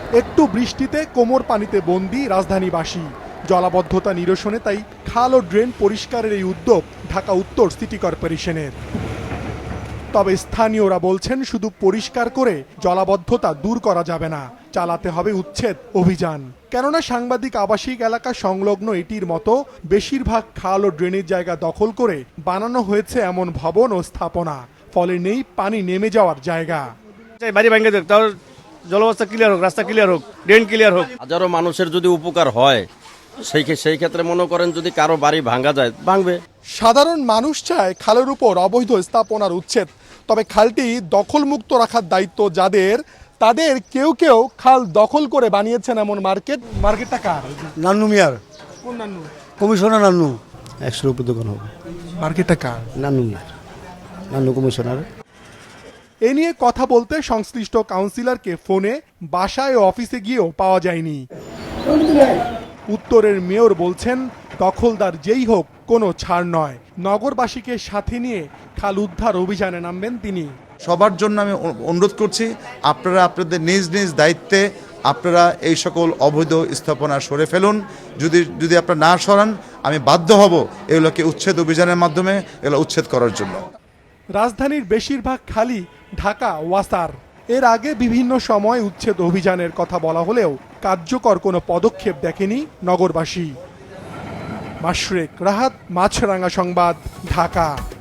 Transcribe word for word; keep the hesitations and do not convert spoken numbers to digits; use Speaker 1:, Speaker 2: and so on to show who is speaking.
Speaker 1: একটু বৃষ্টিতে কোমর পানিতে বন্দী রাজধানীবাসী। জলাবদ্ধতা নিরসনে তাই খাল ও ড্রেন পরিষ্কারের এই উদ্যোগ ঢাকা উত্তর সিটি কর্পোরেশনের। তবে স্থানীয়রা বলছেন শুধু পরিষ্কার করে জলাবদ্ধতা দূর করা যাবে না, চালাতে হবে উচ্ছেদ অভিযান। কেননা সাংবাদিক আবাসিক এলাকা সংলগ্ন এটির মতো বেশিরভাগ খাল ও ড্রেনের জায়গা দখল করে বানানো হয়েছে এমন ভবন ও স্থাপনা, ফলে নেই পানি নেমে যাওয়ার জায়গা।
Speaker 2: বাড়ি ভাঙে দেখ, তাও জলবস্থা ক্লিয়ার হোক, রাস্তা ক্লিয়ার হোক, ড্রেন ক্লিয়ার হোক।
Speaker 3: হাজারো মানুষের যদি উপকার হয় সেই সেই ক্ষেত্রে মনে করেন যদি কারো বাড়ি ভাঙা যায় ভাঙবে।
Speaker 1: সাধারণ মানুষ চায় খালের উপর অবৈধ স্থাপনার উচ্ছেদ, তবে খালটি দখলমুক্ত রাখার দায়িত্ব যাদের, তাদের কেউ কেউ খাল দখল করে বানিয়েছেন এমন মার্কেট। মার্কেটটা কার?
Speaker 4: নান্নু মিয়ার।
Speaker 1: কোন নান্নু?
Speaker 4: কমিশনার নান্নু। একশোর উপর দোকান হবে।
Speaker 1: মার্কেটটা কার?
Speaker 4: নান্নু মিয়ার, নান্নু কমিশনার।
Speaker 1: এ নিয়ে কথা বলতে সংশ্লিষ্ট কাউন্সিলরকে ফোনে, বাসায় ও অফিসে গিয়েও পাওয়া যায়নি। উত্তরের মেয়র বলছেন দখলদার যেই হোক কোনো ছাড় নয়, নগরবাসীকে সাথে নিয়ে খাল উদ্ধার অভিযানে নামবেন তিনি।
Speaker 5: সবার জন্য আমি অনুরোধ করছি, আপনারা আপনাদের নিজ নিজ দায়িত্বে আপনারা এই সকল অবৈধ স্থাপনা সরে ফেলুন। যদি যদি আপনারা না সরান আমি বাধ্য হব এগুলোকে উচ্ছেদ অভিযানের মাধ্যমে এগুলো উচ্ছেদ করার জন্য।
Speaker 1: রাজধানীর বেশিরভাগ খালি ঢাকা ওয়াসার। এর আগে বিভিন্ন সময় উচ্ছেদ অভিযানের কথা বলা হলেও কার্যকর কোনো পদক্ষেপ দেখেনি নগরবাসী। মাশরেক রাহাত, মাছরাঙা সংবাদ, ঢাকা।